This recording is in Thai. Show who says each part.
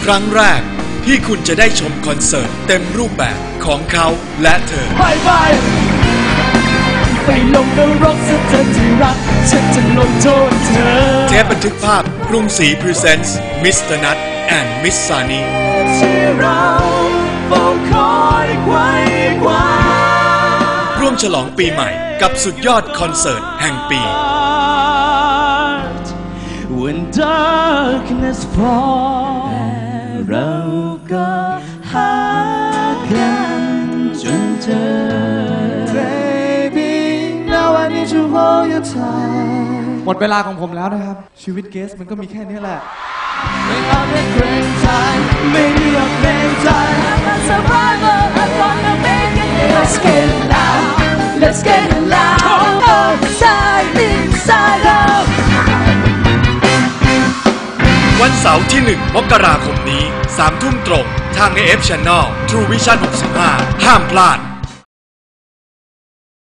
Speaker 1: ครั้งแรกที่คุณจะได้ชมคอนเสิร์ตเต็มรูปแบบของเขาและเธอ
Speaker 2: ไปลงนรกซะเธอที่รักฉันจะลงโทษเธอ
Speaker 1: เทปบันทึกภาพกรุงศรีพรีเซนต์มิสเตอร์นัทแอนด์มิสซานีร่วมฉลองปีใหม่กับสุดยอดคอนเสิร์ตแห่งปี
Speaker 2: When darkness falls เราก็หากันจนเจอ Baby now I need to hold your tight หมดเวลาของผมแล้วนะครับชีวิตเกสมันก็มีแค่นี้แหละไม่เอาแต่เกรงใจไม่เลือกเกรงใจ I'm a survivor I'm gonna make it Let's get it loud Let's get it loud Outside inside out
Speaker 1: วันเสาร์ที่ 1 มกราคมนี้ 3 ทุ่มตรงทาง AF Channel True Vision 65 ห้ามพลาด